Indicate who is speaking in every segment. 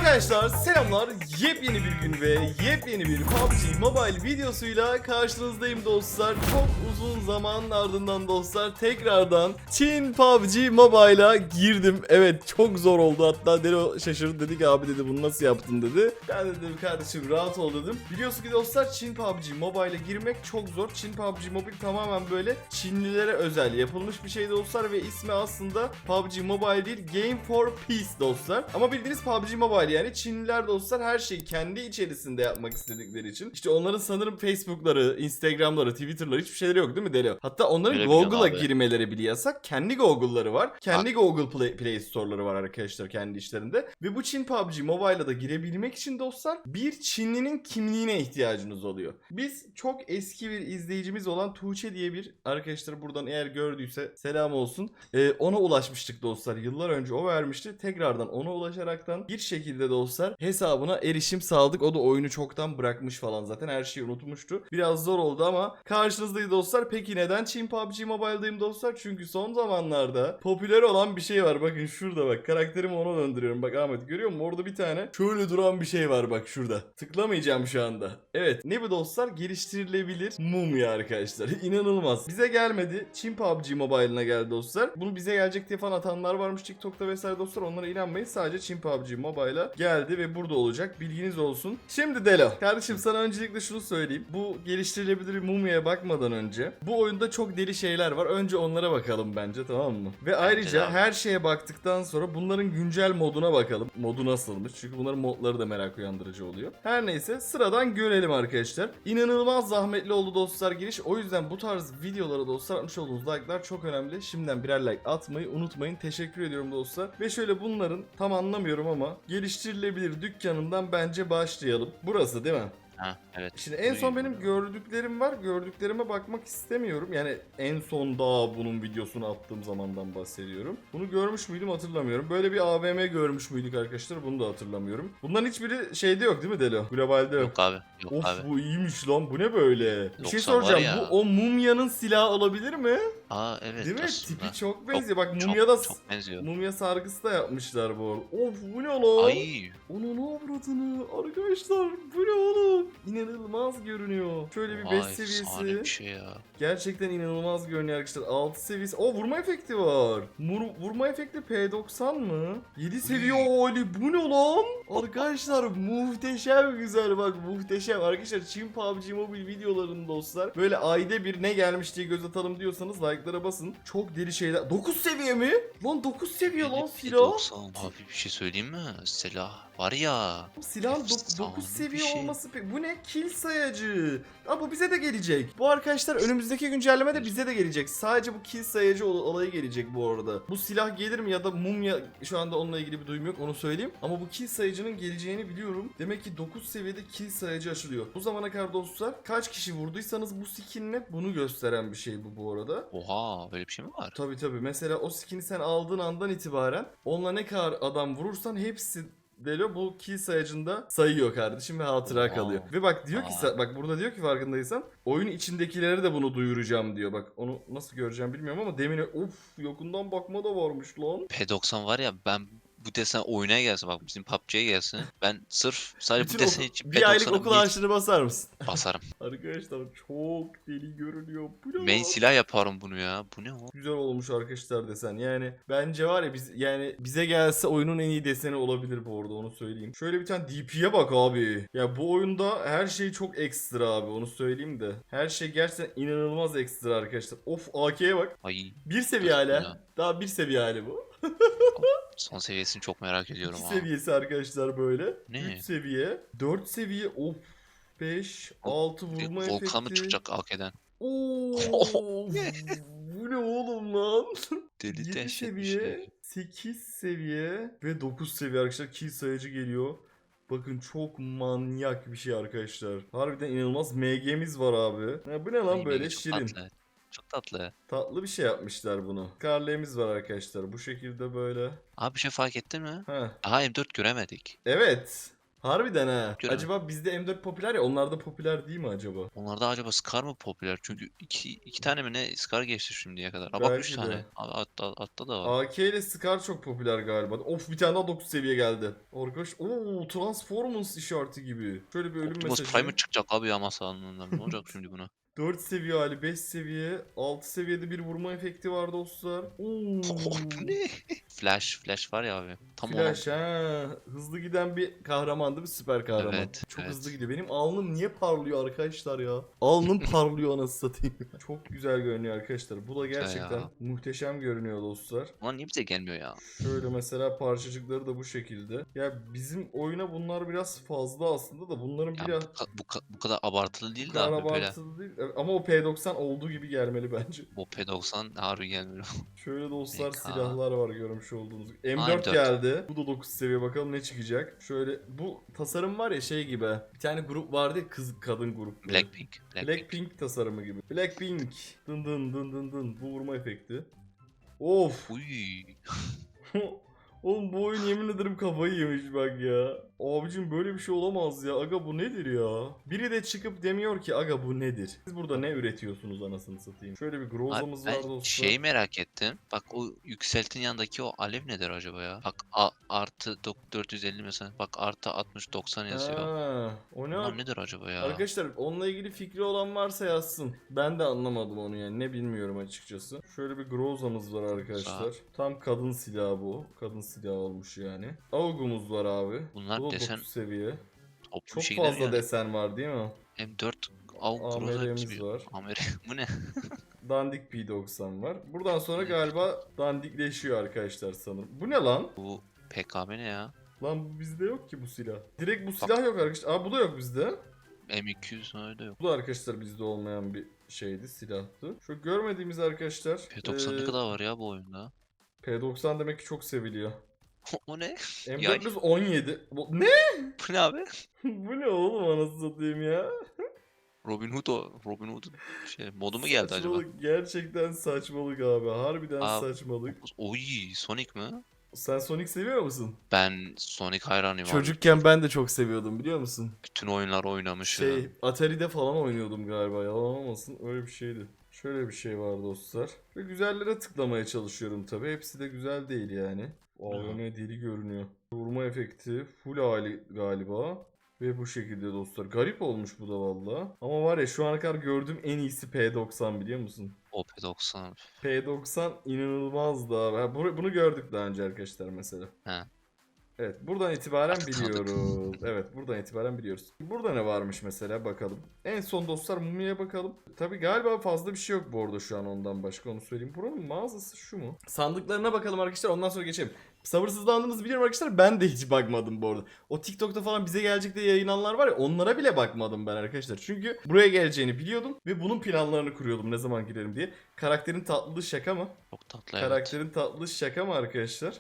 Speaker 1: Arkadaşlar selamlar, yepyeni bir gün ve yepyeni bir PUBG Mobile videosuyla karşınızdayım dostlar. Çok uzun zamanın ardından dostlar tekrardan Çin PUBG Mobile'a girdim. Evet, çok zor oldu, hatta Delo şaşırdı, dedi ki abi dedi bunu nasıl yaptın dedi. Ben de dedim kardeşim rahat ol dedim. Biliyorsun ki dostlar Çin PUBG Mobile'a girmek çok zor. Çin PUBG Mobile tamamen böyle Çinlilere özel yapılmış bir şey dostlar ve ismi aslında PUBG Mobile değil, Game for Peace dostlar. Ama bildiğiniz PUBG Mobile, yani Çinliler dostlar her şeyi kendi içerisinde yapmak istedikleri için. İşte onların sanırım Facebook'ları, Instagram'ları, Twitter'ları hiçbir şeyleri yok değil mi Delo? Hatta onların
Speaker 2: Öyle
Speaker 1: Google'a
Speaker 2: abi.
Speaker 1: girmeleri bile yasak. Kendi Google'ları var. Kendi Google Play Store'ları var arkadaşlar kendi işlerinde. Ve bu Çin PUBG Mobile'a da girebilmek için dostlar bir Çinlinin kimliğine ihtiyacınız oluyor. Biz çok eski bir izleyicimiz olan Tuğçe diye bir arkadaşlar, buradan eğer gördüyse selam olsun. Ona ulaşmıştık dostlar. Yıllar önce o vermişti. Tekrardan ona ulaşaraktan bir şekilde dostlar hesabına erişim sağladık. O da oyunu çoktan bırakmış falan, zaten her şeyi unutmuştu. Biraz zor oldu ama karşınızdayız dostlar. Peki neden Çin PUBG Mobile'dayım dostlar? Çünkü son zamanlarda popüler olan bir şey var. Bakın şurada bak, karakterimi ona döndürüyorum. Bak Ahmet, görüyor musun? Orada bir tane şöyle duran bir şey var bak şurada. Tıklamayacağım şu anda. Evet, ne bu dostlar? Geliştirilebilir mumya arkadaşlar. İnanılmaz. Bize gelmedi. Çin PUBG Mobile'ına geldi dostlar. Bunu bize gelecek diye falan atanlar varmış TikTok'ta vesaire dostlar. Onlara inanmayın. Sadece Çin PUBG Mobile'a geldi ve burada olacak. Bilginiz olsun. Şimdi Delo, kardeşim sana öncelikle şunu söyleyeyim. Bu geliştirilebilir mumyaya bakmadan önce bu oyunda çok deli şeyler var. Önce onlara bakalım bence, tamam mı? Ve ayrıca
Speaker 2: abi.
Speaker 1: her şeye baktıktan sonra bunların güncel moduna bakalım. Modu nasılmış? Çünkü bunların modları da merak uyandırıcı oluyor. Her neyse, sıradan görelim arkadaşlar. İnanılmaz zahmetli oldu dostlar giriş. O yüzden bu tarz videolara dostlar atmış olduğunuz like'lar çok önemli. Şimdiden birer like atmayı unutmayın. Teşekkür ediyorum dostlar. Ve şöyle bunların tam anlamıyorum ama geliştirilebilir dükkanından bence başlayalım. Burası değil mi?
Speaker 2: Ha, evet.
Speaker 1: Şimdi en son benim gördüklerim var. Gördüklerime bakmak istemiyorum. Yani en son daha bunun videosunu attığım zamandan bahsediyorum. Bunu görmüş müydüm hatırlamıyorum. Böyle bir AVM görmüş müydük arkadaşlar? Bunu da hatırlamıyorum. Bunların hiçbiri şeyde yok değil mi Delo? Globalde yok.
Speaker 2: Yok abi. Yok
Speaker 1: Of,
Speaker 2: abi.
Speaker 1: bu iyiymiş lan. Bu ne böyle? Bir şey
Speaker 2: 90 var
Speaker 1: soracağım.
Speaker 2: ya.
Speaker 1: Bu o mumyanın silahı olabilir mi?
Speaker 2: Aa evet
Speaker 1: Değil mi?
Speaker 2: aslında.
Speaker 1: Tipi çok
Speaker 2: Çok
Speaker 1: benziyor. Bak
Speaker 2: çok
Speaker 1: mumya da
Speaker 2: çok benziyor.
Speaker 1: mumya sargısı da yapmışlar bu arada. Of, bu ne lan?
Speaker 2: Ay.
Speaker 1: Onun avradını arkadaşlar, bu ne oğlum? İnanılmaz görünüyor. Şöyle bir 5
Speaker 2: Vay efsane
Speaker 1: seviyesi.
Speaker 2: bir şey ya.
Speaker 1: Gerçekten inanılmaz görünüyor arkadaşlar. 6 seviyesi. O vurma efekti var. Vurma efekti P90 mı? 7 seviye oli. Bu ne lan? Arkadaşlar muhteşem güzel, bak muhteşem. Arkadaşlar Çin PUBG Mobile videolarını dostlar böyle ayda bir ne gelmiş diye göz atalım diyorsanız like'lara basın. Çok deli şeyler. 9 seviye mi? Lan 9 seviye lan silah.
Speaker 2: 90. Abi bir şey söyleyeyim mi? Silah var ya.
Speaker 1: Silahın
Speaker 2: Efsane
Speaker 1: 9
Speaker 2: bir
Speaker 1: seviye
Speaker 2: şey.
Speaker 1: olması bu ne? Kill sayacı. Aa, bu bize de gelecek. Bu arkadaşlar önümüzdeki güncellemede bize de gelecek. Sadece bu kill sayacı olayı gelecek bu arada. Bu silah gelir mi ya da mumya, şu anda onunla ilgili bir duyum yok, onu söyleyeyim. Ama bu kill sayacının geleceğini biliyorum. Demek ki 9 seviyede kill sayacı açılıyor. Bu zamana kadar dostlar kaç kişi vurduysanız bu skinle bunu gösteren bir şey bu arada.
Speaker 2: Oha böyle bir şey mi var?
Speaker 1: Tabii mesela o skin'i sen aldığın andan itibaren onunla ne kadar adam vurursan hepsi Delo bu kill sayacında sayıyor kardeşim ve hatıra
Speaker 2: Oha.
Speaker 1: kalıyor. Ve bak diyor ki bak burada diyor ki farkındaysan oyun içindekileri de bunu duyuracağım diyor. Bak onu nasıl göreceğim bilmiyorum ama demin of yakından bakma da varmış lan.
Speaker 2: P90 var ya, ben bu desen oyuna gelsin, bak bizim PUBG'ye gelsin. Ben sırf sadece bu
Speaker 1: Bütün
Speaker 2: desen için
Speaker 1: bir aylık
Speaker 2: P90'a
Speaker 1: okul harçlığını basar mısın?
Speaker 2: basarım.
Speaker 1: Arkadaşlar çok deli görünüyor. Bu ne
Speaker 2: Main
Speaker 1: lan?
Speaker 2: silah yaparım bunu ya. Bu ne o?
Speaker 1: Güzel olmuş arkadaşlar desen. Yani bence var ya, bize gelse oyunun en iyi deseni olabilir bu arada, onu söyleyeyim. Şöyle bir tane DP'ye bak abi. Ya bu oyunda her şey çok ekstra abi, onu söyleyeyim de. Her şey gerçekten inanılmaz ekstra arkadaşlar. Of, AK'ye bak.
Speaker 2: Ay.
Speaker 1: Bir seviye
Speaker 2: Dostum
Speaker 1: hala.
Speaker 2: ya.
Speaker 1: Daha bir seviye hali bu.
Speaker 2: Son seviyesini çok merak ediyorum
Speaker 1: 2
Speaker 2: ha.
Speaker 1: seviyesi arkadaşlar böyle.
Speaker 2: Ne?
Speaker 1: 3 seviye. 4 seviye. Of. 5, 6 vurma
Speaker 2: Volkan mı
Speaker 1: efekti.
Speaker 2: çıkacak AK'den?
Speaker 1: Oo, bu ne oğlum lan?
Speaker 2: Deli
Speaker 1: 7
Speaker 2: dehşet bir
Speaker 1: seviye,
Speaker 2: şey.
Speaker 1: 8 seviye ve 9 seviye arkadaşlar, kill sayıcı geliyor. Bakın çok manyak bir şey arkadaşlar. Harbiden inanılmaz MG'miz var abi. Ya bu ne lan
Speaker 2: Ay,
Speaker 1: böyle
Speaker 2: Megi çok
Speaker 1: şirin.
Speaker 2: tatlı. Çok tatlı.
Speaker 1: Tatlı bir şey yapmışlar bunu. Scarlet'imiz var arkadaşlar bu şekilde böyle.
Speaker 2: Abi bir şey fark ettin mi?
Speaker 1: Ha.
Speaker 2: Daha M4 göremedik.
Speaker 1: Evet. Harbiden ha.
Speaker 2: Görelim.
Speaker 1: Acaba bizde M4 popüler ya, onlarda popüler değil mi acaba?
Speaker 2: Onlarda acaba Scar mı popüler? Çünkü iki tane mi ne Scar geçti şimdiye kadar. Bak
Speaker 1: Belki
Speaker 2: 3
Speaker 1: de.
Speaker 2: tane. Abi altta da var.
Speaker 1: AK ile Scar çok popüler galiba. Of, bir tane daha 9 seviye geldi. Arkadaş, Transformers işareti gibi. Şöyle bir ölüm
Speaker 2: Optimus
Speaker 1: mesajı.
Speaker 2: Prime'ı çıkacak abi ya masalından. Ne olacak şimdi buna?
Speaker 1: 4 seviye hali, 5 seviye, 6 seviyede bir vurma efekti var dostlar. Oo.
Speaker 2: Bu ne? Flash var ya abi. Tam
Speaker 1: Flash ha. Hızlı giden bir kahraman değil mi? Süper kahraman.
Speaker 2: Evet,
Speaker 1: Çok
Speaker 2: evet.
Speaker 1: hızlı gidiyor. Benim alnım niye parlıyor arkadaşlar ya? Alnım parlıyor anasını satayım. Çok güzel görünüyor arkadaşlar. Bu da gerçekten
Speaker 2: ya.
Speaker 1: muhteşem görünüyor dostlar.
Speaker 2: Ulan niye bize gelmiyor ya?
Speaker 1: Şöyle mesela parçacıkları da bu şekilde. Ya bizim oyuna bunlar biraz fazla aslında da bunların
Speaker 2: Ya
Speaker 1: biraz
Speaker 2: bu kadar abartılı
Speaker 1: bu
Speaker 2: değil de
Speaker 1: kadar
Speaker 2: abi böyle.
Speaker 1: abartılı değil. Ama o P90 olduğu gibi gelmeli bence.
Speaker 2: O P90 harbi gelmiyor.
Speaker 1: Şöyle dostlar
Speaker 2: MK.
Speaker 1: silahlar var görmüş olduğunuz gibi. M4
Speaker 2: M4.
Speaker 1: geldi. Bu da 9 seviye, bakalım ne çıkacak. Şöyle bu tasarım var ya şey gibi. Bir tane grup vardı ya, kız kadın grup.
Speaker 2: Blackpink.
Speaker 1: Blackpink tasarımı gibi. Blackpink. Dın dın dın dın dın. Bu vurma efekti. Of.
Speaker 2: Uy.
Speaker 1: Oğlum bu oyun yemin ederim kafayı yemiş bak ya. Abicim böyle bir şey olamaz ya. Aga bu nedir ya? Biri de çıkıp demiyor ki aga bu nedir? Siz burada ne üretiyorsunuz anasını satayım? Şöyle bir
Speaker 2: Abi
Speaker 1: Groza'mız var
Speaker 2: ben
Speaker 1: dostlar.
Speaker 2: şeyi merak ettim. Bak o yükseltin yanındaki o alev nedir acaba ya? Bak artı 450 mesela. Bak artı 60 90 yazıyor.
Speaker 1: Ha, o ne?
Speaker 2: Bunlar nedir acaba ya?
Speaker 1: Arkadaşlar onunla ilgili fikri olan varsa yazsın. Ben de anlamadım onu yani. Ne bilmiyorum açıkçası. Şöyle bir Groza'mız var arkadaşlar. Tam kadın silahı bu. Kadın silahı olmuş yani. AUG'umuz var abi.
Speaker 2: Bunlar
Speaker 1: Bu da
Speaker 2: desen
Speaker 1: 9 seviye.
Speaker 2: toplu bir
Speaker 1: Çok
Speaker 2: şey gider
Speaker 1: fazla
Speaker 2: yani.
Speaker 1: desen var değil mi?
Speaker 2: M4 AUG Groza
Speaker 1: AMR'miz
Speaker 2: gibi.
Speaker 1: var.
Speaker 2: AMR bu ne?
Speaker 1: Dandik P90 var. Buradan sonra galiba dandikleşiyor arkadaşlar sanırım. Bu ne lan?
Speaker 2: Bu PKM ne ya?
Speaker 1: Lan bu bizde yok ki bu silah. Direkt bu silah yok arkadaşlar. Aa bu da yok bizde.
Speaker 2: M200 öyle yok.
Speaker 1: Bu da arkadaşlar bizde olmayan bir şeydi, silahtı. Şu görmediğimiz arkadaşlar
Speaker 2: P90 ne kadar var ya bu oyunda?
Speaker 1: P90 demek ki çok seviliyor.
Speaker 2: O ne?
Speaker 1: M417. Ne?
Speaker 2: Bu ne abi?
Speaker 1: Bu ne oğlum anasını satayım ya?
Speaker 2: Robin Hood şey modu mu geldi acaba?
Speaker 1: Saçmalık, gerçekten saçmalık abi. Harbiden
Speaker 2: Aa,
Speaker 1: saçmalık.
Speaker 2: Oy Sonic mi?
Speaker 1: Sen Sonic seviyor musun?
Speaker 2: Ben Sonic hayranıyım abi.
Speaker 1: Çocukken ben de çok seviyordum biliyor musun?
Speaker 2: Bütün oyunlar oynamışım.
Speaker 1: Atari'de falan oynuyordum galiba, yalan olmasın, öyle bir şeydi. Şöyle bir şey var dostlar. Ve güzellere tıklamaya çalışıyorum tabi. Hepsi de güzel değil yani. AVM deli görünüyor. Vurma efekti full hali galiba. Ve bu şekilde dostlar. Garip olmuş bu da valla. Ama var ya şu ana kadar gördüğüm en iyisi P90 biliyor musun?
Speaker 2: O P90.
Speaker 1: P90 inanılmazdı abi. Bunu gördük daha önce arkadaşlar mesela.
Speaker 2: He.
Speaker 1: Evet buradan itibaren
Speaker 2: Artık tanıdık.
Speaker 1: biliyoruz. Evet buradan itibaren biliyoruz. Burada ne varmış mesela bakalım. En son dostlar Mumi'ye bakalım. Tabi galiba fazla bir şey yok bu arada şu an ondan başka, onu söyleyeyim. Buranın mağazası şu mu? Sandıklarına bakalım arkadaşlar, ondan sonra geçelim. Sabırsızlandığınızı biliyorum arkadaşlar, ben de hiç bakmadım bu arada. O TikTok'ta falan bize gelecek diye yayınlananlar var ya, onlara bile bakmadım ben arkadaşlar. Çünkü buraya geleceğini biliyordum ve bunun planlarını kuruyordum ne zaman girerim diye. Karakterin tatlılığı şaka mı?
Speaker 2: Çok tatlı evet.
Speaker 1: Karakterin tatlılığı şaka mı arkadaşlar?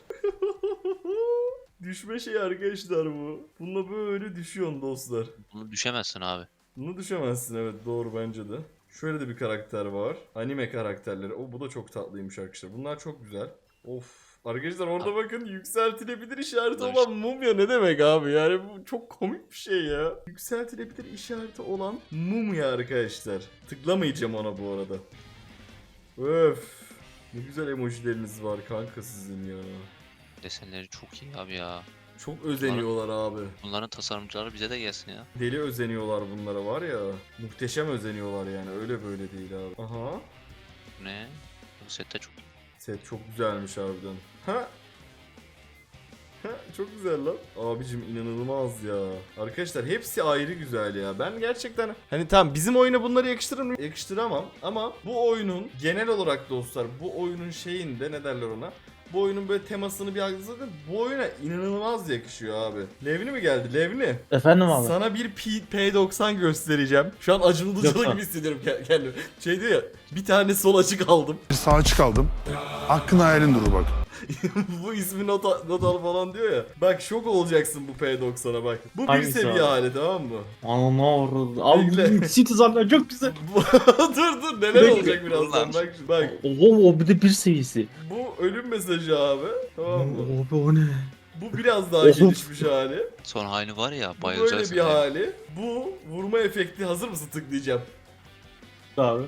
Speaker 1: Düşme şey arkadaşlar bu. Bununla böyle düşüyorsun dostlar.
Speaker 2: Bunu düşemezsin abi.
Speaker 1: Bunu düşemezsin, evet doğru bence de. Şöyle de bir karakter var. Anime karakterleri. Bu da çok tatlıymış arkadaşlar. Bunlar çok güzel. Of. Arkadaşlar orada bakın yükseltilebilir işareti
Speaker 2: Dur.
Speaker 1: olan mumya ne demek abi? Yani bu çok komik bir şey ya. Yükseltilebilir işareti olan mumya arkadaşlar. Tıklamayacağım ona bu arada. Öf. Ne güzel emojileriniz var kanka sizin ya.
Speaker 2: Desenleri çok iyi abi ya.
Speaker 1: Çok özeniyorlar abi.
Speaker 2: Bunların tasarımcıları bize de gelsin ya.
Speaker 1: Deli özeniyorlar bunlara var ya. Muhteşem özeniyorlar yani. Öyle böyle değil abi. Aha.
Speaker 2: Bu ne? Bu sette çok iyi.
Speaker 1: Set çok güzelmiş harbiden. Ha? Ha, çok güzel lan. Abicim inanılmaz ya. Arkadaşlar hepsi ayrı güzel ya. Ben gerçekten hani tamam bizim oyuna bunları yakıştıramam ama bu oyunun genel olarak dostlar bu oyunun şeyinde ne derler ona? Bu oyunun böyle temasını bir algıladım. Bu oyuna inanılmaz yakışıyor abi. Levni mi geldi? Levni.
Speaker 3: Efendim abi.
Speaker 1: Sana bir P90 göstereceğim. Şu an acılı
Speaker 3: Lütfen.
Speaker 1: gibi hissediyorum kendimi. Şey diyor ya, bir tane sol açık aldım.
Speaker 4: Bir sağ açık aldım. Hakkın hayalin durur bak.
Speaker 1: Bu ismi not al falan diyor ya. Bak şok olacaksın bu P90'a bak. Bu bir
Speaker 3: Hangisi
Speaker 1: seviye
Speaker 3: abi?
Speaker 1: hali tamam mı?
Speaker 3: Ana orada. Abi
Speaker 1: Bekle.
Speaker 3: bu Citizen'ler çok güzel.
Speaker 1: dur neler
Speaker 3: Bekle.
Speaker 1: olacak birazdan bak. Bak
Speaker 3: Oo bir de bir seviyesi.
Speaker 1: bu ölüm mesajı abi. Tamam mı?
Speaker 3: Abi o ne?
Speaker 1: Bu biraz daha
Speaker 3: Of.
Speaker 1: gelişmiş hali.
Speaker 2: Son halini var ya
Speaker 1: Bu böyle
Speaker 2: bayılacaksın.
Speaker 1: bir
Speaker 2: ya.
Speaker 1: hali. Bu vurma efekti. Hazır mısın, tıklayacağım.
Speaker 3: Abi.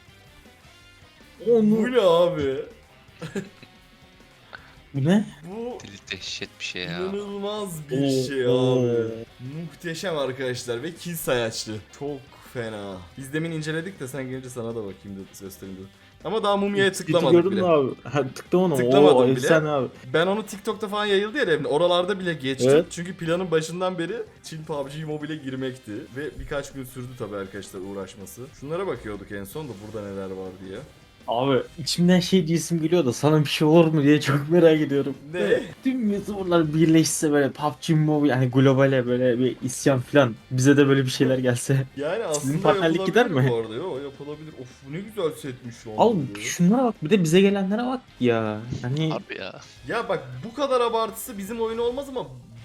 Speaker 1: Bu
Speaker 3: Onu.
Speaker 1: ne abi?
Speaker 3: Bu ne?
Speaker 1: Bu
Speaker 2: Deli dehşet bir şey ya.
Speaker 1: inanılmaz bir şey
Speaker 3: Oo.
Speaker 1: abi. Muhteşem arkadaşlar ve kill sayaçlı. Çok fena. Biz demin inceledik de sen gelince sana da bakayım da göstereyim dedim. Ama daha mumyaya tıklamadık
Speaker 3: Gördün
Speaker 1: bile.
Speaker 3: mü abi? Ha, tıklamadım.
Speaker 1: Tıklamadım
Speaker 3: Oo,
Speaker 1: bile.
Speaker 3: efsane abi.
Speaker 1: Ben onu TikTok'ta falan yayıldı ya evde. Oralarda bile geçtim.
Speaker 3: Evet.
Speaker 1: Çünkü planın başından beri Çin PUBG Mobile'e girmekti. Ve birkaç gün sürdü tabii arkadaşlar uğraşması. Şunlara bakıyorduk en son da burada neler var diye.
Speaker 3: Abi içimden şey diyesim geliyor da sana bir şey olur mu diye çok merak ediyorum.
Speaker 1: Ne?
Speaker 3: Tüm YouTuber'lar birleşse böyle PUBG Mobile hani globale böyle bir isyan falan bize de böyle bir şeyler gelse.
Speaker 1: Yani
Speaker 3: Sizin
Speaker 1: aslında
Speaker 3: partnerlik
Speaker 1: yapılabilir
Speaker 3: gider mi?
Speaker 1: bu arada. Yo, yapılabilir. Of bu ne güzel setmiş lan.
Speaker 3: Al
Speaker 1: böyle.
Speaker 3: şunlara bak bir de bize gelenlere bak ya. Hani
Speaker 2: Harbi ya.
Speaker 1: Ya bak bu kadar abartısı bizim oyuna olmaz ama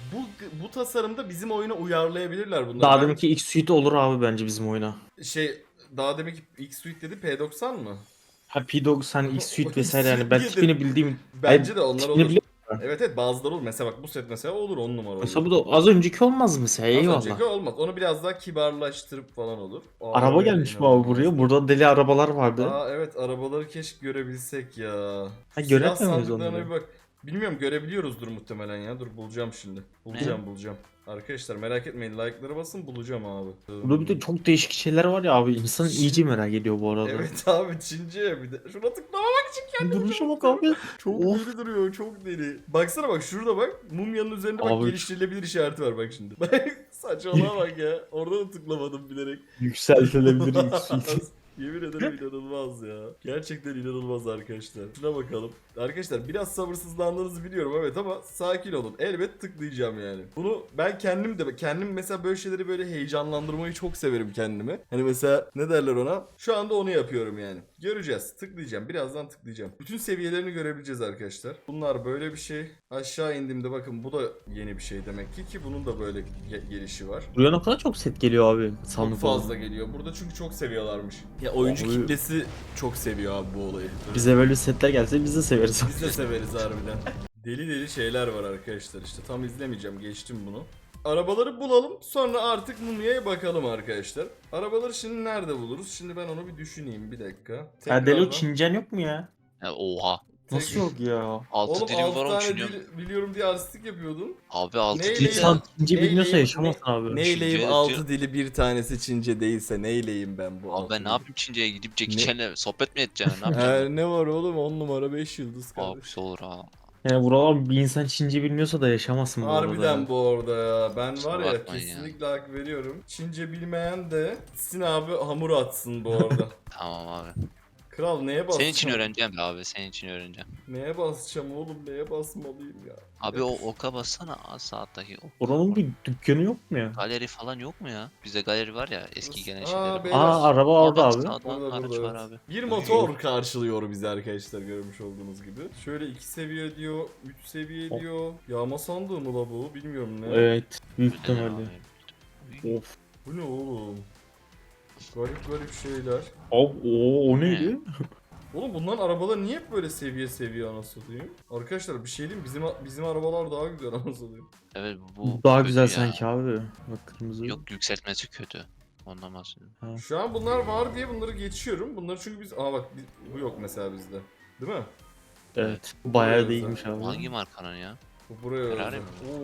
Speaker 1: bu tasarımda bizim oyuna uyarlayabilirler bunları.
Speaker 3: daha
Speaker 1: Ben-
Speaker 3: deminki X Suite olur abi bence bizim oyuna.
Speaker 1: Daha demek ki X Suite dedi P90 mı?
Speaker 3: Ha P90 X Suite vesaire yani
Speaker 1: X
Speaker 3: ben
Speaker 1: Suite
Speaker 3: tipini bildiğim.
Speaker 1: Bence
Speaker 3: Ay,
Speaker 1: de onlar
Speaker 3: tipini
Speaker 1: olur.
Speaker 3: biliyorum.
Speaker 1: Evet evet bazıları olur. Mesela bak bu set mesela olur 10 numara olur.
Speaker 3: Mesela bu da az önceki olmaz mesela
Speaker 1: Az
Speaker 3: eyvallah.
Speaker 1: önceki olmaz. Onu biraz daha kibarlaştırıp falan olur.
Speaker 3: Araba gelmiş bu abi buraya. Burada deli arabalar vardı.
Speaker 1: Aa evet arabaları keşke görebilsek ya.
Speaker 3: Ha,
Speaker 1: Silah
Speaker 3: göremiyor muyuz
Speaker 1: sandıklarına
Speaker 3: onları?
Speaker 1: bir bak. Bilmiyorum görebiliyoruzdur muhtemelen ya. Dur bulacağım şimdi. Bulacağım. Arkadaşlar merak etmeyin like'lara basın bulacağım abi.
Speaker 3: Burada bir de çok değişik şeyler var ya abi. İnsan iyice merak ediyor bu arada.
Speaker 1: Evet abi Çince bir de. Şuna tıklamamak için kendimi
Speaker 3: Duruşa bak abi.
Speaker 1: çok
Speaker 3: Of.
Speaker 1: deli duruyor çok deli. Baksana bak şurada bak mumyanın üzerinde bak
Speaker 3: Abi.
Speaker 1: geliştirilebilir işareti var bak şimdi. Bak saçmalığa bak ya. Orada da tıklamadım bilerek.
Speaker 3: Yükseltilebilir X Suite.
Speaker 1: Yemin ederim inanılmaz ya. Gerçekten inanılmaz arkadaşlar. Şuna bakalım. Arkadaşlar biraz sabırsızlandığınızı biliyorum evet ama sakin olun. Elbet tıklayacağım yani. Bunu ben kendim mesela böyle şeyleri böyle heyecanlandırmayı çok severim kendimi. Hani mesela ne derler ona? Şu anda onu yapıyorum yani. Göreceğiz. Tıklayacağım. Birazdan tıklayacağım. Bütün seviyelerini görebileceğiz arkadaşlar. Bunlar böyle bir şey. Aşağı indiğimde bakın bu da yeni bir şey demek ki bunun da böyle gelişi var.
Speaker 3: Buraya ne kadar çok set geliyor abi.
Speaker 1: Çok
Speaker 3: Sandık
Speaker 1: fazla
Speaker 3: olan.
Speaker 1: geliyor. Burada çünkü çok seviyorlarmış. Ya oyuncu
Speaker 3: Abi-
Speaker 1: kitlesi çok seviyor abi bu olayı.
Speaker 3: Bize böyle setler gelse biz de severiz.
Speaker 1: Biz de severiz harbiden. Deli deli şeyler var arkadaşlar işte. Tam izlemeyeceğim. Geçtim bunu. Arabaları bulalım. Sonra artık mumyaya bakalım arkadaşlar. Arabaları şimdi nerede buluruz? Şimdi ben onu bir düşüneyim. Bir dakika.
Speaker 3: Ya deli o
Speaker 1: Tekrardan-
Speaker 3: Çincen yok mu ya?
Speaker 2: Ya oha.
Speaker 3: Nasıl yok ya?
Speaker 2: 6
Speaker 1: Oğlum
Speaker 2: dilim
Speaker 1: 6
Speaker 2: var oğlum
Speaker 1: tane
Speaker 2: düşünüyorum.
Speaker 1: dil biliyorum diye artistik yapıyordun.
Speaker 2: Abi 6
Speaker 1: Neyle
Speaker 2: dilim.
Speaker 1: ya?
Speaker 3: İnsan Çince bilmiyorsa
Speaker 1: Neyleyim-
Speaker 3: yaşamazsın abi.
Speaker 1: Neyleyim
Speaker 2: Çince
Speaker 1: 6
Speaker 2: yazıyor.
Speaker 1: dili bir tanesi Çince değilse neyleyim ben bu
Speaker 2: Abi
Speaker 1: altı
Speaker 2: ben ne
Speaker 1: dili?
Speaker 2: yapayım Çince'ye gidip Jackie
Speaker 1: Ne?
Speaker 2: Chan'le sohbet mi edeceğim? Ne yapacağım?
Speaker 1: Ne var oğlum 10 numara 5 yıldız kardeş.
Speaker 2: Abisi olur ha.
Speaker 3: Yani buralar bir insan Çince bilmiyorsa da yaşamazsın bu arada.
Speaker 1: Harbiden
Speaker 3: ya.
Speaker 1: bu arada ya. Ben
Speaker 2: Kusura
Speaker 1: var ya
Speaker 2: bakmayın ya.
Speaker 1: kesinlikle hak veriyorum. Çince bilmeyen de gitsin abi hamur atsın bu arada.
Speaker 2: Tamam abi.
Speaker 1: Kral neye basacağım?
Speaker 2: Senin için öğreneceğim be abi. Senin için öğreneceğim.
Speaker 1: Neye basacağım oğlum? Neye basmalıyım ya?
Speaker 2: Abi o oka bassana saattaki o.
Speaker 3: Oranın bir dükkanı yok mu ya?
Speaker 2: Galeri falan yok mu ya? Bizde galeri var ya eski gelen
Speaker 1: Aa,
Speaker 2: şeyler.
Speaker 1: beyler.
Speaker 3: Aa araba orada
Speaker 2: Bak,
Speaker 3: abi.
Speaker 2: sağdan
Speaker 1: Burada,
Speaker 2: araç
Speaker 1: burada,
Speaker 2: var
Speaker 1: evet.
Speaker 2: abi.
Speaker 1: Bir motor karşılıyor bizi arkadaşlar görmüş olduğunuz gibi. Şöyle 2 seviye diyor, 3 seviye
Speaker 3: Oh.
Speaker 1: diyor. Yağma sandığı mı la bu? Bilmiyorum ne.
Speaker 3: Evet. Büyük
Speaker 2: Öyle
Speaker 3: ihtimalle.
Speaker 2: abi.
Speaker 3: Of.
Speaker 1: Bu ne oğlum? Garip garip şeyler.
Speaker 3: Abi o neydi?
Speaker 1: Oğlum bunların arabaları niye hep böyle seviye seviye anasını satayım? Arkadaşlar bir şey diyeyim bizim arabalar daha güzel anasını satayım.
Speaker 2: Evet bu
Speaker 3: Daha
Speaker 2: kötü
Speaker 3: güzel
Speaker 2: ya.
Speaker 3: sanki abi. Bak kırmızı.
Speaker 2: Yok yükseltmesi kötü. Ondan bahsediyorum.
Speaker 1: Şu an bunlar var diye bunları geçiyorum. Bunları çünkü biz... Aa bak bu yok mesela bizde. Değil mi?
Speaker 3: Evet. Bayağı
Speaker 1: Buraya
Speaker 3: değilmiş abi.
Speaker 2: Hangi markanın ya?
Speaker 1: Bu buraya
Speaker 2: Ferrari
Speaker 1: özel.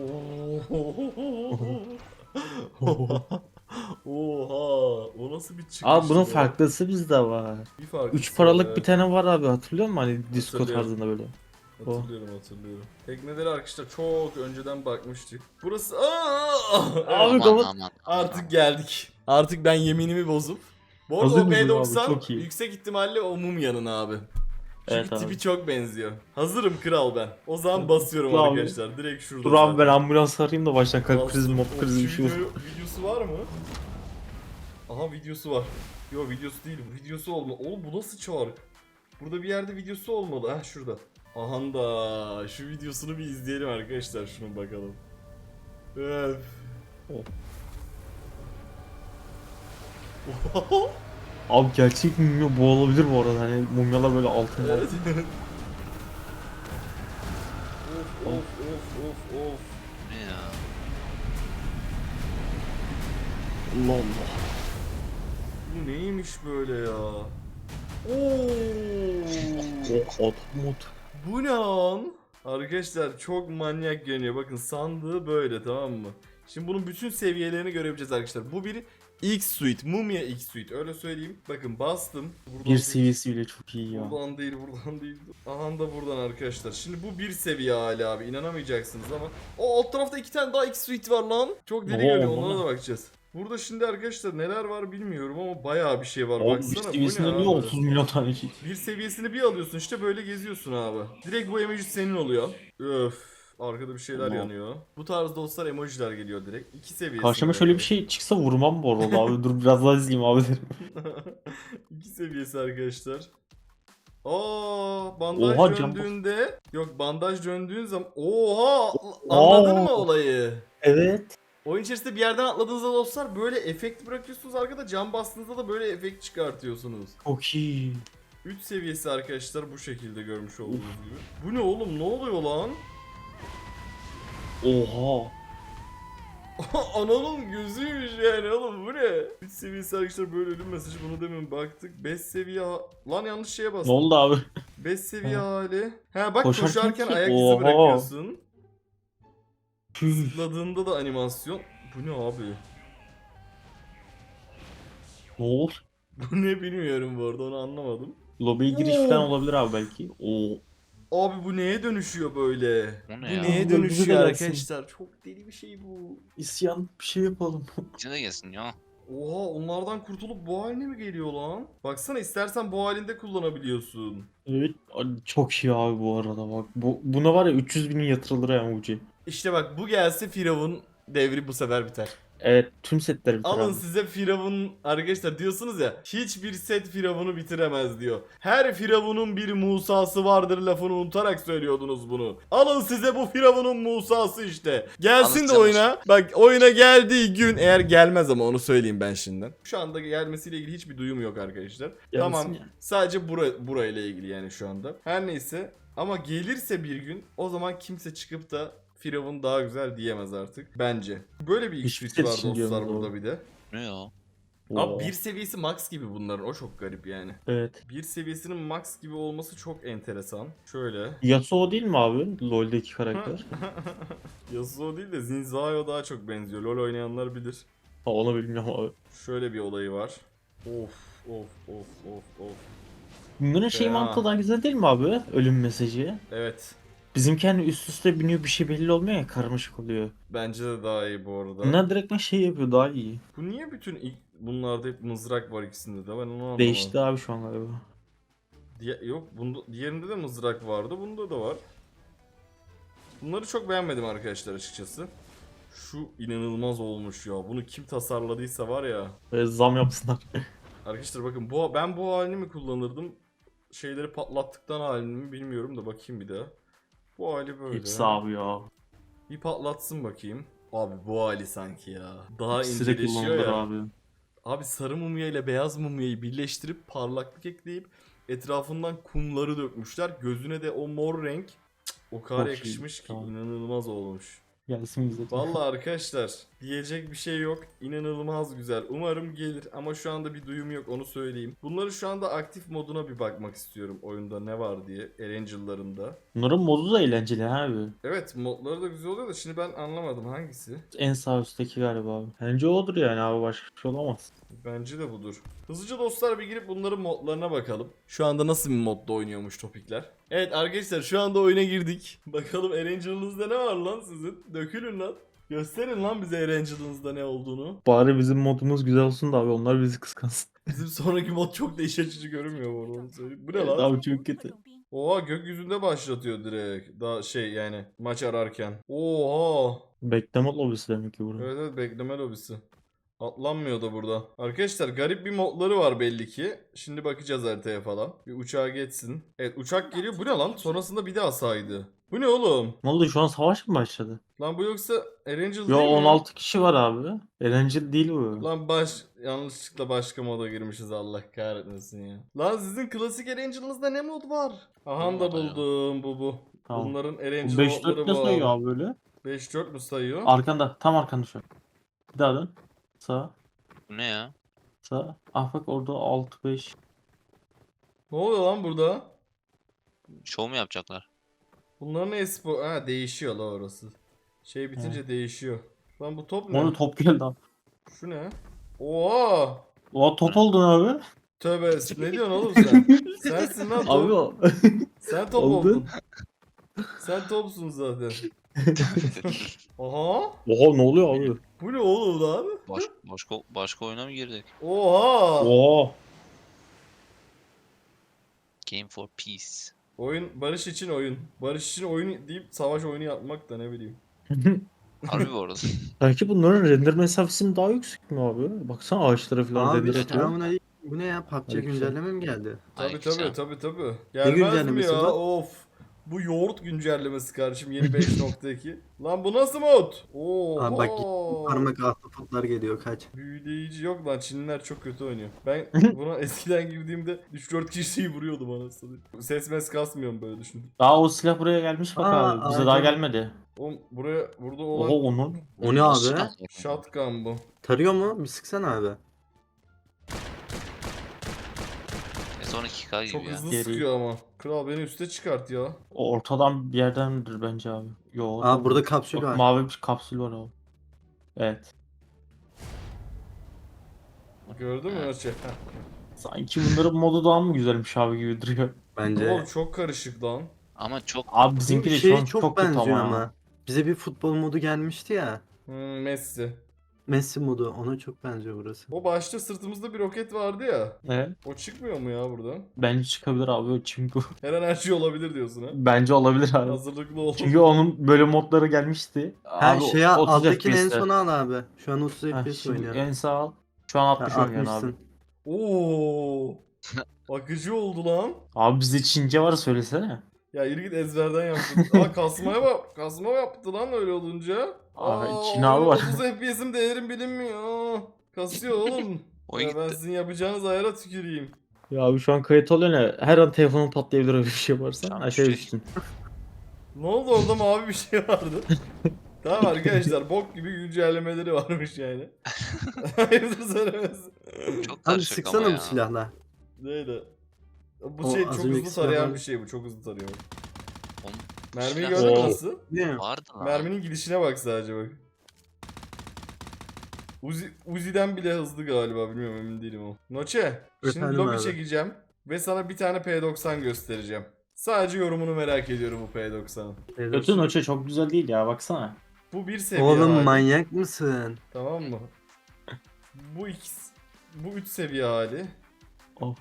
Speaker 3: mi?
Speaker 1: Oha! O nasıl bir çıkış?
Speaker 3: Abi bunun
Speaker 1: ya?
Speaker 3: farklısı bizde var.
Speaker 1: Bir farklısı
Speaker 3: 3 paralık
Speaker 1: var,
Speaker 3: bir tane var abi hatırlıyor musun? Hani disco
Speaker 1: Hatırlıyorum.
Speaker 3: tarzında böyle.
Speaker 1: Hatırlıyorum. Tekneleri arkadaşlar çok önceden bakmıştık. Burası... Aa!
Speaker 3: Abi
Speaker 2: Aman
Speaker 3: kapat.
Speaker 2: aman.
Speaker 1: Artık geldik. Artık ben yeminimi bozup. Bu arada
Speaker 3: Hazır
Speaker 1: o
Speaker 3: mısın
Speaker 1: B90
Speaker 3: abi? Çok iyi.
Speaker 1: yüksek ihtimalle o Mumya'nın abi. Çünkü
Speaker 3: Evet abi.
Speaker 1: tipi çok benziyor. Hazırım kral ben. O zaman basıyorum
Speaker 3: Dur abi.
Speaker 1: arkadaşlar. Direkt şurada.
Speaker 3: Dur abi ben
Speaker 1: zaten.
Speaker 3: ambulans arayayım da baştan kalp krizi
Speaker 1: Bastım.
Speaker 3: mop krizi bir şey olur.
Speaker 1: Videosu var mı? Aha videosu var. Yo videosu değil. Videosu olma. Oğlum bu nasıl çark? Burada bir yerde videosu olmalı. Ha şurada. Aha da şu videosunu bir izleyelim arkadaşlar. Şunu bakalım. Öf.
Speaker 3: Abi gerçek mumya bu olabilir bu arada hani mumyalar böyle altın var.
Speaker 1: Evet. Of.
Speaker 2: Ne ya?
Speaker 3: Allah Allah.
Speaker 1: Bu neymiş böyle ya?
Speaker 3: O mod.
Speaker 1: Bu ne lan? Arkadaşlar çok manyak görünüyor. Bakın sandığı böyle, tamam mı? Şimdi bunun bütün seviyelerini görebileceğiz arkadaşlar. Bu bir X-Suite. Mumia X-Suite. Öyle söyleyeyim. Bakın bastım. Buradan
Speaker 3: Bir
Speaker 1: değil.
Speaker 3: seviyesi bile çok iyi ya.
Speaker 1: Buradan değil. Aha da buradan arkadaşlar. Şimdi bu bir seviye hali abi. İnanamayacaksınız ama. O alt tarafta 2 tane daha X-Suite var lan. Çok deli
Speaker 3: Oo,
Speaker 1: görünüyor.
Speaker 3: bana.
Speaker 1: Onlara da bakacağız. Burada şimdi arkadaşlar neler var bilmiyorum ama bayağı bir şey var.
Speaker 3: Oğlum bir
Speaker 1: Baksana bu
Speaker 3: seviyesinde
Speaker 1: ne
Speaker 3: niye
Speaker 1: abi?
Speaker 3: 30 milyon tane şey?
Speaker 1: Bir seviyesini bir alıyorsun işte böyle geziyorsun abi. Direkt bu emoji senin oluyor. Öf. Arkada bir şeyler
Speaker 3: Allah.
Speaker 1: yanıyor. Bu tarz dostlar emojiler geliyor direkt. 2 seviyesi.
Speaker 3: Karşıma şöyle bir şey çıksa vurmam bu arada abi. Dur biraz daha izleyeyim abi derim.
Speaker 1: 2 seviyesi arkadaşlar. Bandaj
Speaker 3: Oha, can
Speaker 1: döndüğünde yok, bandaj döndüğün zaman anladın mı olayı?
Speaker 3: Evet.
Speaker 1: Oyun içerisinde bir yerden atladığınızda dostlar böyle efekt bırakıyorsunuz, arkada cam bastığınızda da böyle efekt çıkartıyorsunuz.
Speaker 3: Çok iyi.
Speaker 1: 3 seviyesi arkadaşlar bu şekilde görmüş olduğunuz gibi. Bu ne oğlum, ne oluyor lan?
Speaker 3: Oha.
Speaker 1: Ananın gözüymüş yani oğlum, bu ne? 3 seviyesi arkadaşlar böyle ölüm mesajı, bunu demin baktık. 5 seviye lan yanlış şeye
Speaker 3: Ne
Speaker 1: bastım.
Speaker 3: oldu abi?
Speaker 1: 5 seviye
Speaker 3: Ha.
Speaker 1: hali. Ha bak
Speaker 3: Koşarken
Speaker 1: koşarken
Speaker 3: ki-
Speaker 1: ayak izi
Speaker 3: Oha.
Speaker 1: bırakıyorsun.
Speaker 3: Tüh.
Speaker 1: Zıpladığında da animasyon. Bu ne abi?
Speaker 3: Ne oldu?
Speaker 1: Bu ne bilmiyorum bu arada, onu anlamadım.
Speaker 3: Lobiye giriş
Speaker 1: Oo.
Speaker 3: falan olabilir abi belki. Oo.
Speaker 1: Abi bu neye dönüşüyor böyle?
Speaker 2: O ne
Speaker 1: Bu
Speaker 2: ya?
Speaker 1: neye
Speaker 3: Bize de
Speaker 1: dönüşüyor
Speaker 3: gelsin.
Speaker 1: arkadaşlar? Çok deli bir şey bu.
Speaker 3: İsyan bir şey yapalım.
Speaker 2: İçine de gelsin ya.
Speaker 1: Oha, onlardan kurtulup bu haline mi geliyor lan? Baksana, istersen bu halinde kullanabiliyorsun.
Speaker 3: Evet. Çok iyi abi bu arada bak. Buna var ya 300 binin yatırılır ya Muci.
Speaker 1: İşte bak, bu gelse Firavun devri bu sefer biter.
Speaker 3: Evet tüm setler biter
Speaker 1: Alın
Speaker 3: abi.
Speaker 1: size Firavun arkadaşlar, diyorsunuz ya, hiçbir set Firavun'u bitiremez diyor. Her Firavun'un bir Musa'sı vardır lafını unutarak söylüyordunuz bunu. Alın size bu Firavun'un Musa'sı işte. Gelsin de
Speaker 2: Alışacağım.
Speaker 1: oyuna. Bak oyuna geldiği gün, eğer gelmez ama onu söyleyeyim ben şimdiden. Şu anda gelmesiyle ilgili hiçbir duyum yok arkadaşlar.
Speaker 3: Gelsin
Speaker 1: Tamam,
Speaker 3: ya.
Speaker 1: sadece burayla ilgili yani şu anda. Her neyse, ama gelirse bir gün, o zaman kimse çıkıp da Firavun daha güzel diyemez artık bence. Böyle bir
Speaker 3: Hiçbir
Speaker 1: X-Suite var
Speaker 3: set için
Speaker 1: dostlar
Speaker 3: diyorum
Speaker 1: burada
Speaker 3: doğru.
Speaker 1: bir de.
Speaker 2: Ne ya?
Speaker 3: Oo.
Speaker 1: Abi bir seviyesi max gibi bunların, o çok garip yani.
Speaker 3: Evet.
Speaker 1: Bir seviyesinin max gibi olması çok enteresan. Şöyle.
Speaker 3: Yasuo değil mi abi? LoL'deki karakter.
Speaker 1: Yasuo değil de Zinzao daha çok benziyor. LoL oynayanlar bilir.
Speaker 3: Ha, onu bilmiyorum abi.
Speaker 1: Şöyle bir olayı var. Of.
Speaker 3: Bunların şey
Speaker 1: Ya.
Speaker 3: mantığı daha güzel değil mi abi? Ölüm mesajı.
Speaker 1: Evet.
Speaker 3: Bizimki hani üst üste biniyor bir şey belli olmuyor ya, karmaşık oluyor.
Speaker 1: Bence de daha iyi bu arada.
Speaker 3: Bunlar direktmen şey yapıyor, daha iyi.
Speaker 1: Bu niye bütün bunlarda hep mızrak var ikisinde de, ben onu anlamadım.
Speaker 3: Değişti abi şu an galiba.
Speaker 1: Yok, diğerinde de mızrak vardı, bunda da var. Bunları çok beğenmedim arkadaşlar açıkçası. Şu inanılmaz olmuş ya. Bunu kim tasarladıysa var ya.
Speaker 3: Böyle zam yapsınlar.
Speaker 1: Arkadaşlar bakın, ben bu halini mi kullanırdım? Şeyleri patlattıktan halini mi bilmiyorum da, bakayım bir daha. Bu hali böyle.
Speaker 3: Hepsi abi ya.
Speaker 1: Bir patlatsın bakayım. Abi bu hali sanki ya. Daha
Speaker 3: Hepsi de
Speaker 1: inceleşiyor
Speaker 3: kullanılır
Speaker 1: ya.
Speaker 3: abi.
Speaker 1: Abi sarı mumya ile beyaz mumyayı birleştirip parlaklık ekleyip etrafından kumları dökmüşler. Gözüne de o mor renk o kadar
Speaker 3: Çok iyi,
Speaker 1: yakışmış ki,
Speaker 3: tamam.
Speaker 1: inanılmaz olmuş.
Speaker 3: Gelsin bize.
Speaker 1: Vallahi arkadaşlar, diyecek bir şey yok. İnanılmaz güzel. Umarım gelir ama şu anda bir duyum yok, onu söyleyeyim. Bunları şu anda aktif moduna bir bakmak istiyorum, oyunda ne var diye. Erangel'larında.
Speaker 3: Bunların modu da eğlenceli abi.
Speaker 1: Evet, modları da güzel oluyor da şimdi ben anlamadım hangisi.
Speaker 3: En sağ üstteki galiba abi. Bence odur yani abi, başka bir şey olamaz.
Speaker 1: Bence de budur. Hızlıca dostlar bir girip bunların modlarına bakalım. Şu anda nasıl bir modda oynuyormuş topikler. Evet arkadaşlar, şu anda oyuna girdik. Bakalım Erangel'ınızda ne var lan sizin? Dökülün lan. Gösterin lan bize Erangel'ınızda ne olduğunu.
Speaker 3: Bari bizim modumuz güzel olsun da abi, onlar bizi kıskansın.
Speaker 1: Bizim sonraki mod çok da iç açıcı görünmüyor bu arada, onu söyleyeyim. Bu ne
Speaker 3: Evet
Speaker 1: lan?
Speaker 3: abi çok kötü.
Speaker 1: Oha, gökyüzünde başlatıyor direkt. Daha şey yani, maç ararken. Oha.
Speaker 3: Bekleme lobisi demek ki burada.
Speaker 1: Evet bekleme lobisi. Atlanmıyor da burada. Arkadaşlar garip bir modları var belli ki. Şimdi bakacağız haritaya falan. Bir uçağa geçsin. Evet, uçak geliyor. Bu ne lan? Sonrasında bir daha saydı. Bu ne oğlum?
Speaker 3: Ne oldu, şu an savaş mı başladı?
Speaker 1: Lan bu yoksa Erangel
Speaker 3: Yo,
Speaker 1: değil mi?
Speaker 3: 16 kişi var abi. Eğlenceli değil bu.
Speaker 1: Lan yanlışlıkla başka moda girmişiz, Allah kahretmesin ya. Lan sizin klasik Erangel'ınızda ne mod var? Aha da
Speaker 2: Olmadı ya.
Speaker 1: buldum, bu.
Speaker 3: Tamam.
Speaker 1: Bunların
Speaker 3: Bu
Speaker 1: Erangel
Speaker 3: 5-4
Speaker 1: modları
Speaker 3: ne
Speaker 1: bu
Speaker 3: sayıyor
Speaker 1: abi.
Speaker 3: abi böyle?
Speaker 1: 5-4 mü sayıyor?
Speaker 3: Arkanda. Tam arkanda şu an. Bir daha dön. Sağ.
Speaker 2: Bu ne ya?
Speaker 3: Sağ. Ah bak orada 6-5.
Speaker 1: Ne oluyor lan burada?
Speaker 2: Şov mu yapacaklar?
Speaker 1: Bunların espor... Ha değişiyor la orası. Şey bitince değişiyor. Lan bu top ne?
Speaker 3: Onu top geldi abi.
Speaker 1: Şu ne? Oha!
Speaker 3: O top oldun abi.
Speaker 1: Tövbe ne diyorsun oğlum sen? Sensin lan top.
Speaker 3: Abi o.
Speaker 1: Sen top
Speaker 3: Oldu.
Speaker 1: oldun. Sen topsun zaten. Aha!
Speaker 3: Oha ne oluyor abi?
Speaker 1: Bu ne oğlum lan?
Speaker 2: Başka oyuna mı girdik?
Speaker 1: Oha!
Speaker 3: Oha.
Speaker 2: Game for Peace.
Speaker 1: Oyun barış için oyun. Barış için oyun deyip savaş oyunu yapmak da ne bileyim.
Speaker 2: Harbi bu arada.
Speaker 3: Belki bunların render mesafesi mi daha yüksek mi abi? Baksana ağaçlara falan
Speaker 5: Abi
Speaker 3: render atıyor.
Speaker 5: selamünaleyküm. Bu ne ya? PUBG
Speaker 3: Aleykümselam.
Speaker 5: güncelleme mi geldi?
Speaker 1: Tabi
Speaker 2: Aleykümselam.
Speaker 1: tabi. Gelmez mi
Speaker 5: güncellemesi
Speaker 1: ya?
Speaker 5: bu?
Speaker 1: Of. Bu yoğurt güncellemesi kardeşim yeni 5.2. Lan bu nasıl mod? Oha.
Speaker 5: Abi bak parmak ahtapotlar geliyor kaç.
Speaker 1: Büyüleyici yok lan, Çinliler çok kötü oynuyor. Ben buna eskiden girdiğimde 3-4 kişiyi vuruyordum anasını. Ses mes kasmıyorum böyle düşün.
Speaker 3: Daha o silah buraya gelmiş bak
Speaker 5: Aa,
Speaker 3: abi. Bize
Speaker 5: aynen.
Speaker 3: daha gelmedi.
Speaker 1: Oğlum burada
Speaker 3: Oha
Speaker 1: olan
Speaker 3: onun.
Speaker 5: O ne
Speaker 2: Nasıl
Speaker 5: abi?
Speaker 2: silah?
Speaker 1: shotgun bu.
Speaker 5: Tarıyor mu? Bir sıksana abi.
Speaker 2: S12K gibi
Speaker 1: Çok
Speaker 2: ya.
Speaker 1: hızlı
Speaker 3: Geri.
Speaker 1: sıkıyor ama. Kral beni üste çıkart ya.
Speaker 3: O ortadan bir yerdendir bence abi. Yo.
Speaker 5: Aa burada kapsül
Speaker 3: Bak,
Speaker 5: var.
Speaker 3: mavi bir kapsül var abi. Evet.
Speaker 1: Gördün mü Öçe?
Speaker 3: Sanki bunların modu daha mı güzelmiş abi gibi duruyor.
Speaker 5: Bence.
Speaker 1: Oğlum çok karışık lan.
Speaker 2: Ama çok
Speaker 3: Abi
Speaker 5: Bu
Speaker 3: bizimki de şu
Speaker 5: şeye
Speaker 3: an çok kötü
Speaker 5: benziyor
Speaker 3: ama.
Speaker 5: ama. Bize bir futbol modu gelmişti ya.
Speaker 1: Messi.
Speaker 5: Messi modu. Ona çok benziyor burası.
Speaker 1: O başta sırtımızda bir roket vardı ya.
Speaker 3: Evet.
Speaker 1: O çıkmıyor mu ya buradan?
Speaker 3: Bence çıkabilir abi çünkü
Speaker 1: Her an her şey olabilir diyorsun ha.
Speaker 3: bence olabilir abi.
Speaker 1: Hazırlıklı ol.
Speaker 3: Çünkü onun böyle modları gelmişti.
Speaker 5: Ha
Speaker 3: Abi,
Speaker 5: şey
Speaker 3: 30
Speaker 5: alttakini en
Speaker 3: FPS'te.
Speaker 5: sona al abi. Şu an 30
Speaker 3: Ha,
Speaker 5: FPS
Speaker 3: şimdi
Speaker 5: oynuyor.
Speaker 3: en sağ al. Şu an 60
Speaker 5: Ha,
Speaker 3: oynuyor abi.
Speaker 5: 60'sın.
Speaker 1: Oo. Akıcı oldu lan.
Speaker 3: Abi bizde Çince var söylesene.
Speaker 1: Ya yürü git ezberden yaptın. Aa kasmaya bak. Kasma yaptı lan öyle olunca.
Speaker 3: Abi, Çin abi var.
Speaker 1: 30 FPS'im değerim bilinmiyor. Kasıyor oğlum.
Speaker 2: Oyun
Speaker 1: Ya ben
Speaker 2: gitti.
Speaker 1: sizin yapacağınız ayara tüküreyim.
Speaker 3: Ya abi şu an kayıt oluyor ne? Her an telefonun patlayabilir öyle bir şey varsa.
Speaker 2: Tamam,
Speaker 3: Aşağı
Speaker 2: şey-
Speaker 3: düşsün.
Speaker 1: Ne oldu orada mavi bir şey vardı. Tamam arkadaşlar bok gibi güncellemeleri varmış yani. Hayırdır söylemez.
Speaker 2: Çok
Speaker 5: Abi
Speaker 2: karışık
Speaker 5: sıksana
Speaker 2: ama
Speaker 5: bu
Speaker 2: ya.
Speaker 5: silahla.
Speaker 1: Neydi? Bu
Speaker 5: O
Speaker 1: şey
Speaker 5: az
Speaker 1: çok
Speaker 5: önceki
Speaker 1: hızlı tarayan
Speaker 5: silahlar-
Speaker 1: bir şey bu. Çok hızlı tarıyor.
Speaker 2: Oğlum,
Speaker 1: Mermiyi
Speaker 2: silah-
Speaker 1: gördün mü
Speaker 3: Oo.
Speaker 1: nasıl?
Speaker 5: Ne?
Speaker 2: Vardı lan.
Speaker 1: Merminin gidişine bak sadece bak. Uzi'den bile hızlı galiba, bilmiyorum, emin değilim o. Noche, şimdi
Speaker 5: Efendim
Speaker 1: lobi
Speaker 5: abi.
Speaker 1: çekeceğim ve sana bir tane P90 göstereceğim. Sadece yorumunu merak ediyorum bu P90'ın.
Speaker 3: Kötü noça çok güzel değil ya baksana.
Speaker 1: Bu bir seviye
Speaker 5: Oğlum
Speaker 1: hali.
Speaker 5: manyak mısın?
Speaker 1: Tamam mı? Bu 3 seviye hali.
Speaker 3: Of.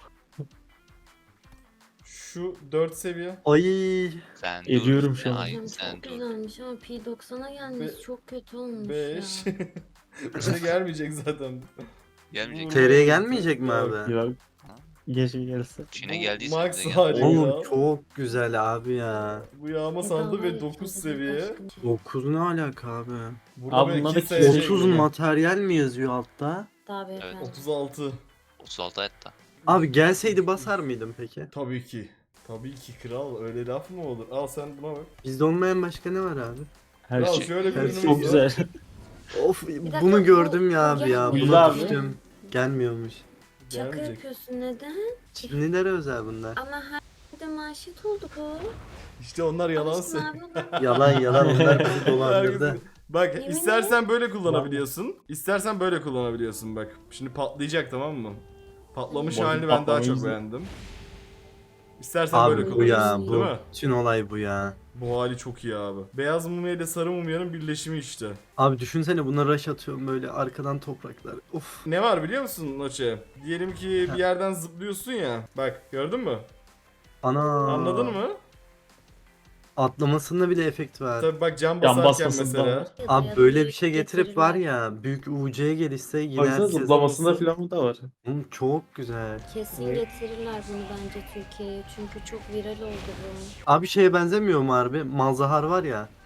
Speaker 1: Şu 4 seviye.
Speaker 5: Ay.
Speaker 2: Sen
Speaker 3: Ediyorum
Speaker 2: dur.
Speaker 3: şu an.
Speaker 2: Ay,
Speaker 6: Hocam
Speaker 2: sen
Speaker 6: çok
Speaker 2: dur.
Speaker 6: güzelmiş ama P90'a gelmiş
Speaker 1: Be-
Speaker 6: çok kötü olmuş
Speaker 1: 5.
Speaker 6: ya.
Speaker 1: Bize gelmeyecek zaten.
Speaker 2: Gelmeyecek.
Speaker 1: Bu-
Speaker 5: TR'ye gelmeyecek mi
Speaker 1: Yok.
Speaker 5: abi?
Speaker 3: Ya geç gelse.
Speaker 2: Çin'e
Speaker 1: Bu
Speaker 2: geldiyse
Speaker 1: max
Speaker 2: bize gel.
Speaker 1: hali ya.
Speaker 5: Oğlum çok güzel abi ya.
Speaker 1: Bu yağma sandı ve 9 seviye.
Speaker 5: 9 ne alaka abi?
Speaker 1: Burada
Speaker 3: Abi
Speaker 1: böyle
Speaker 3: bunlar da
Speaker 1: kimse şey
Speaker 5: 30
Speaker 1: eklemiyor.
Speaker 5: materyal mi yazıyor altta?
Speaker 6: Daha beyefendi.
Speaker 1: 36.
Speaker 2: 36 hatta.
Speaker 5: Abi gelseydi basar mıydım peki?
Speaker 1: Tabii ki. Tabii ki kral, öyle laf mı olur? Al sen buna bak.
Speaker 5: Bizde olmayan başka ne var abi?
Speaker 3: Her
Speaker 1: Kral
Speaker 3: şey
Speaker 1: şöyle bir
Speaker 5: her
Speaker 1: ürünümüz
Speaker 5: şey
Speaker 3: çok
Speaker 1: var.
Speaker 3: güzel.
Speaker 5: Of
Speaker 6: dakika,
Speaker 5: bunu
Speaker 6: bu-
Speaker 5: gördüm ya abi ya.
Speaker 6: gelmiyor.
Speaker 3: Güzel
Speaker 5: Buna
Speaker 3: abi.
Speaker 5: düştüm. Gelmiyormuş.
Speaker 6: Şaka
Speaker 1: Gelmeyecek.
Speaker 6: yapıyorsun neden?
Speaker 5: Çinlilere özel bunlar.
Speaker 6: Ama her de manşet oldu bu.
Speaker 1: İşte onlar yalan
Speaker 6: Alıştın
Speaker 1: söylüyor.
Speaker 6: abi ona.
Speaker 5: Yalan yalan onlar bizi dolandırdı.
Speaker 1: Herkes- Bak
Speaker 6: Yemin
Speaker 1: istersen böyle kullanabiliyorsun. İstersen böyle kullanabiliyorsun bak. Şimdi patlayacak, tamam mı? Patlamış
Speaker 3: Bak,
Speaker 1: halini ben daha
Speaker 3: patlamayı
Speaker 1: çok
Speaker 3: izle.
Speaker 1: beğendim. İstersen böyle
Speaker 5: Abi bu ya.
Speaker 1: kullanabiliyorsun değil
Speaker 5: Bu
Speaker 1: mi?
Speaker 5: bütün olay bu ya.
Speaker 1: Bu hali çok iyi abi. Beyaz mumya ile sarı mumyanın birleşimi işte.
Speaker 5: Abi düşünsene buna rush atıyorum böyle arkadan topraklar. Of.
Speaker 1: Ne var biliyor musun Noche? Diyelim ki bir yerden zıplıyorsun ya. Bak gördün mü?
Speaker 5: Ana.
Speaker 1: Anladın mı?
Speaker 5: Atlamasında bile efekt var.
Speaker 1: Tabi bak cam
Speaker 3: Yan
Speaker 1: basarken
Speaker 3: basmasında
Speaker 1: mesela.
Speaker 3: var.
Speaker 5: Abi böyle bir şey getirip var ya büyük UC'ye gelirse yine
Speaker 3: Baksana
Speaker 5: herkes
Speaker 3: zıplamasında
Speaker 5: olsun.
Speaker 3: falan da var.
Speaker 5: Oğlum çok güzel.
Speaker 6: Kesin
Speaker 3: Evet.
Speaker 6: getirirler bunu bence Türkiye'ye çünkü çok viral oldu bu.
Speaker 5: Abi şeye benzemiyor mu harbi? Malzahar var ya.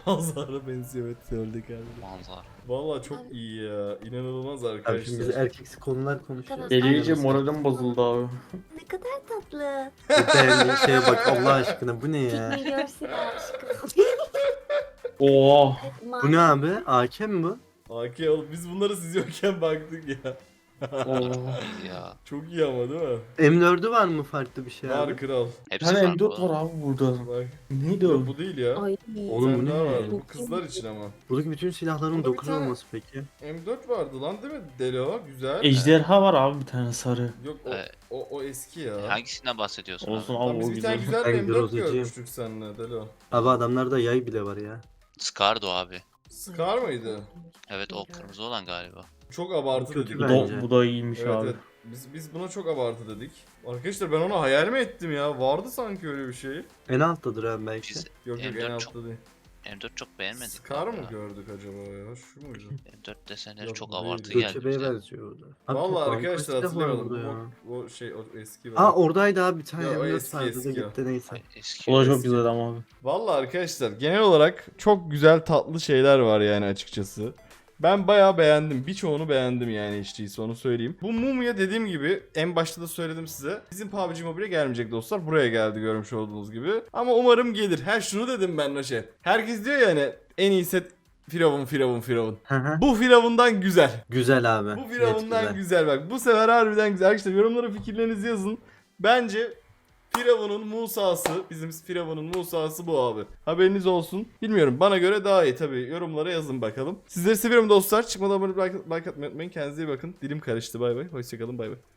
Speaker 1: Manzara benziyor, evet söyledik abi.
Speaker 2: Manzara.
Speaker 1: Valla çok iyi ya. İnanılmaz
Speaker 5: Abi şimdi biz
Speaker 1: arkadaşlar.
Speaker 5: erkeksi konular konuşuyoruz.
Speaker 6: Tamam.
Speaker 3: Eleyince moralim bozuldu abi.
Speaker 6: Ne kadar tatlı.
Speaker 5: Beğendiğin şeye bak Allah aşkına bu ne ya?
Speaker 6: Pikmi görsün aşkım.
Speaker 3: Oo.
Speaker 5: Bu ne abi? AK mi bu?
Speaker 1: AK oğlum biz bunları siz yokken baktık ya.
Speaker 3: Oo.
Speaker 2: Ya.
Speaker 1: Çok iyi ama değil mi?
Speaker 5: M4'ü var mı farklı bir şey abi?
Speaker 1: Var kral.
Speaker 2: Hepsi
Speaker 3: Hani
Speaker 2: farklı.
Speaker 3: M4 var abi burada.
Speaker 1: Bak.
Speaker 3: Neydi o?
Speaker 1: Yok, bu değil ya.
Speaker 6: Ay.
Speaker 5: Oğlum bu
Speaker 1: Sen daha
Speaker 5: ne?
Speaker 1: var. Bu kızlar için ama.
Speaker 5: Buradaki bütün silahların
Speaker 1: Burada bir
Speaker 5: 9
Speaker 1: tane-
Speaker 5: olması peki.
Speaker 1: M4 vardı lan değil mi? Delo güzel.
Speaker 3: Ejderha var abi bir tane sarı.
Speaker 1: Yok
Speaker 2: Evet.
Speaker 1: o eski ya.
Speaker 2: Hangisinden bahsediyorsun
Speaker 3: Olsun
Speaker 2: abi?
Speaker 3: abi
Speaker 1: Lan biz
Speaker 3: o
Speaker 1: bir tane
Speaker 3: güzel.
Speaker 1: güzel bir
Speaker 5: Ben
Speaker 1: M4
Speaker 5: Groza'cıyım.
Speaker 1: görmüştük seninle Delo.
Speaker 5: Abi adamlarda yay bile var ya.
Speaker 2: Scardo abi.
Speaker 1: Scar mıydı?
Speaker 2: Evet o kırmızı olan galiba.
Speaker 1: Çok abartı
Speaker 5: Kötü
Speaker 1: dedik.
Speaker 3: Bu
Speaker 5: bence.
Speaker 3: da, bu da iyiymiş
Speaker 1: Evet,
Speaker 3: abi.
Speaker 1: evet. Biz buna çok abartı dedik. Arkadaşlar ben onu hayal mi ettim ya? Vardı sanki öyle bir şey.
Speaker 5: En alttadır abi belki.
Speaker 2: Biz
Speaker 1: Yok yok en
Speaker 2: M4
Speaker 1: altta değil.
Speaker 2: M4 çok beğenmedik.
Speaker 1: Scar
Speaker 2: abi
Speaker 1: mı
Speaker 2: ya.
Speaker 1: gördük acaba ya? Şu muydu?
Speaker 2: M4 desenleri
Speaker 1: Yok,
Speaker 2: çok
Speaker 1: değil.
Speaker 2: abartı geldi
Speaker 5: Göçebe'ye
Speaker 2: bize.
Speaker 5: benziyor orada. Abi
Speaker 1: Vallahi
Speaker 5: toplam
Speaker 1: arkadaşlar
Speaker 5: kaç silah var
Speaker 1: hatırlayamadım.
Speaker 5: burada ya?
Speaker 1: O şey o eski var.
Speaker 5: Aa oradaydı abi bir tane
Speaker 1: Ya, o
Speaker 5: M4
Speaker 1: eski,
Speaker 5: vardı da
Speaker 1: eski o.
Speaker 5: gitti neyse.
Speaker 2: Ay, eski.
Speaker 3: O da çok
Speaker 1: eski.
Speaker 3: güzel ama abi.
Speaker 1: Vallahi arkadaşlar genel olarak çok güzel tatlı şeyler var yani açıkçası. Ben bayağı beğendim. Birçoğunu beğendim yani hiç değilse onu söyleyeyim. Bu Mumya dediğim gibi en başta da söyledim size. Bizim PUBG Mobile'e gelmeyecek dostlar. Buraya geldi görmüş olduğunuz gibi. Ama umarım gelir. Şunu dedim ben Noşe. Herkes diyor ya hani en iyi set Firavun.
Speaker 5: Hı hı.
Speaker 1: Bu Firavun'dan güzel.
Speaker 5: Güzel abi.
Speaker 1: Bu
Speaker 5: net
Speaker 1: Firavun'dan
Speaker 5: güzel.
Speaker 1: güzel bak. Bu sefer harbiden güzel. Arkadaşlar yorumlara fikirlerinizi yazın. Bence Firavun'un Musa'sı, bizim Firavun'un Musa'sı bu abi. Haberiniz olsun. Bilmiyorum bana göre daha iyi tabii. Yorumlara yazın bakalım. Sizleri seviyorum dostlar. Çıkmadan abone like atmayı unutmayın. Kendinize iyi bakın. Dilim karıştı bay bay. Hoşçakalın bay bay.